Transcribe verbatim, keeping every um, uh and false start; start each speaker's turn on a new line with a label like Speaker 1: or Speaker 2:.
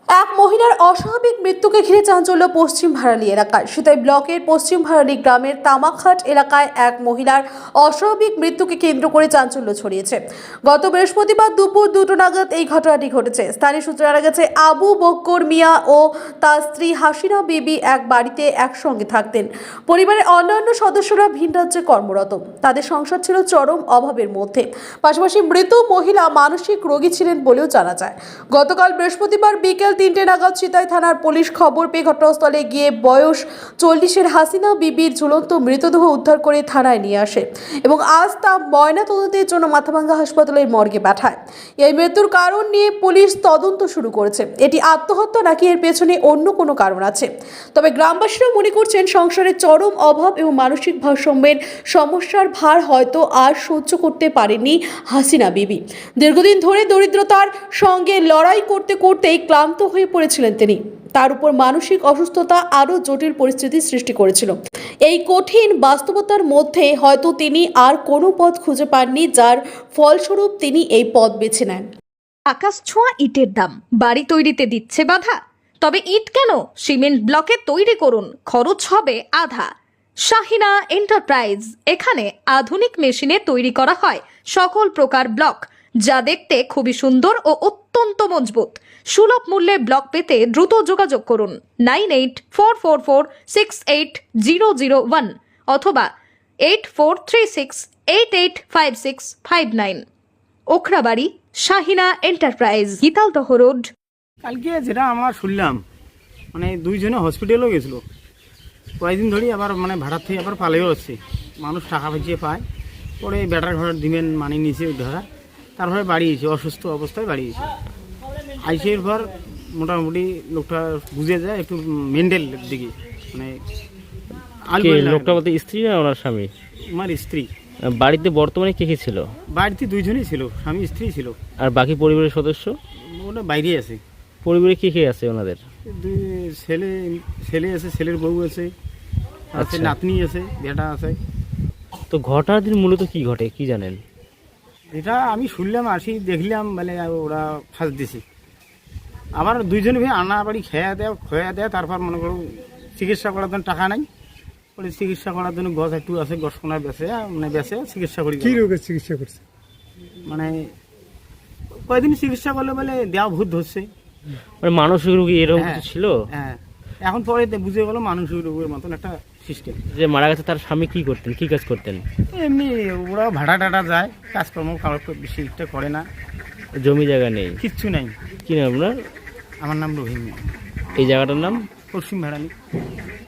Speaker 1: এক মহিলার অস্বাভাবিক মৃত্যুকে ঘিরে চাঞ্চল্য পশ্চিম ভারালি এলাকায়। সিতাই ব্লকের পশ্চিম ভারালি গ্রামের তামাকহাট এলাকায় এক মহিলার অস্বাভাবিক মৃত্যুকে কেন্দ্র করে চাঞ্চল্য ছড়িয়েছে। গত বৃহস্পতিবার দুপুর দুটো নাগাদ এই ঘটনাটি ঘটেছে। স্থানীয় সূত্রে জানা গেছে, আবু বক্কর মিয়া ও তার স্ত্রী হাসিনা বিবি এক বাড়িতে একসঙ্গে থাকতেন। পরিবারের অন্যান্য সদস্যরা ভিন রাজ্যে কর্মরত। তাদের সংসার ছিল চরম অভাবের মধ্যে। পাশাপাশি মৃত মহিলা মানসিক রোগী ছিলেন বলেও জানা যায়। গতকাল বৃহস্পতিবার বিকেল তিনটে নাগাদ সিতাই থানার পুলিশ খবর পেয়ে ঘটনাস্থলে গিয়ে বয়স চল্লিশের হাসিনা বিবির ঝুলন্ত মৃতদেহ উদ্ধার করে থানায় নিয়ে আসে এবং আজ তা ময়না তদন্তের জন্য মাথাভাঙ্গা হাসপাতালের মর্গে পাঠায়। এই মৃত্যুর কারণ নিয়ে পুলিশ তদন্ত শুরু করেছে। এটি আত্মহত্যা নাকি এর পেছনে অন্য কোনো কারণ আছে। তবে গ্রামবাসীরা মনে করছেন, সংসারের চরম অভাব এবং মানসিক ভারসাম্যের সমস্যার ভার হয়তো আর সহ্য করতে পারেননি হাসিনা বিবি। দীর্ঘদিন ধরে দরিদ্রতার সঙ্গে লড়াই করতে করতেই ক্লান্ত হয়ে পড়েছিলেন তিনি। তার উপর মানসিক অসুস্থতা আরও জটিল পরিস্থিতির সৃষ্টি করেছিল। এই কঠিন বাস্তবতার মধ্যে হয়তো তিনি আর কোনো পথ খুঁজে পাননি, যার ফলস্বরূপ তিনি এই পথ বেছে নেন।
Speaker 2: আকাশ ছোঁয়া ইটের দাম বাড়ি তৈরিতে দিচ্ছে বাধা। তবে ইট কেন, সিমেন্ট ব্লকে তৈরি করুন, খরচ হবে আধা। শাহিনা এন্টারপ্রাইজ, এখানে আধুনিক মেশিনে তৈরি করা হয় সকল প্রকার ব্লক, যা দেখতে খুবই সুন্দর ও অত্যন্ত মজবুত। সুলভ মূল্যে ব্লক পেতে দ্রুত যোগাযোগ করুন nine eight four four four six eight zero zero one অথবা eight four three six eight eight five six five nine. Okhrabari, Shahina enterprise, Gitaldaha road.
Speaker 3: কালকে যেটা আমরা শুনলাম, মানে দুইজনে হসপিটালও গেছিলো কয়েকদিন ধরেই, আবার মানে ভাড়ার থেকে আবার পালেও হচ্ছে। মানুষ টাকা পাইয়ে পায়, পরে বেটার ঘরের দিবেন মানে নিচে ধরা, তারপরে বাড়ি এসে অসুস্থ অবস্থায় বাড়ি এসে আইসের পর মোটামুটি লোকটা বুঝে যায় একটু মেন্টাল দিকে, মানে
Speaker 4: লোকটা বলতে স্ত্রী না ওনার স্বামী?
Speaker 3: আমার স্ত্রী।
Speaker 4: বাড়িতে বর্তমানে কে কে ছিল?
Speaker 3: বাড়িতে দুইজনই ছিল, স্বামী স্ত্রী ছিল।
Speaker 4: আর বাকি পরিবারের সদস্য?
Speaker 3: ওটা বাইরে আছে।
Speaker 4: পরিবারে কে কে আছে ওনাদের?
Speaker 3: দুই ছেলে ছেলে আছে, ছেলের বউ আছে, আছে নাতনি আছে, বেটা আছে।
Speaker 4: তো ঘটনার দিন মূলত কি ঘটে কি জানেন?
Speaker 3: এটা আমি শুনলাম, আসি দেখলাম, মানে ওরা ফাঁস দিছে। আবার দুইজনে ভাই আনা বাড়ি খেয়া দেয় খোয়া দেয়, তারপর মনে করো চিকিৎসা করার জন্য টাকা নাই, ওই চিকিৎসা করার জন্য গছ একটু আছে, গছ কোনা বেছে মানে বেছে চিকিৎসা করি।
Speaker 5: কি রোগের চিকিৎসা করছে?
Speaker 3: মানে কয়েকদিন চিকিৎসা করলে বলে দেওয়া ভূত ধরছে,
Speaker 4: মানে মানসিক রোগী এরকম
Speaker 3: হ্যাঁ,
Speaker 4: ছিল।
Speaker 3: হ্যাঁ, এখন পরে বুঝে গেল মানসিক রোগের মতন একটা সিস্টেম।
Speaker 4: যে মারা গেছে তার স্বামী কি করতেন, কি কাজ করতেন?
Speaker 3: এমনি ওরা ভাড়া টাটা যায়, কাজকর্ম খাওয়ার বেশি একটা করে না,
Speaker 4: জমি জায়গা নেই,
Speaker 3: কিচ্ছু নাই।
Speaker 4: কি নাম আপনার?
Speaker 3: আমার নাম রহিম।
Speaker 4: এই জায়গাটার নাম
Speaker 3: পশ্চিম ভাড়ালি।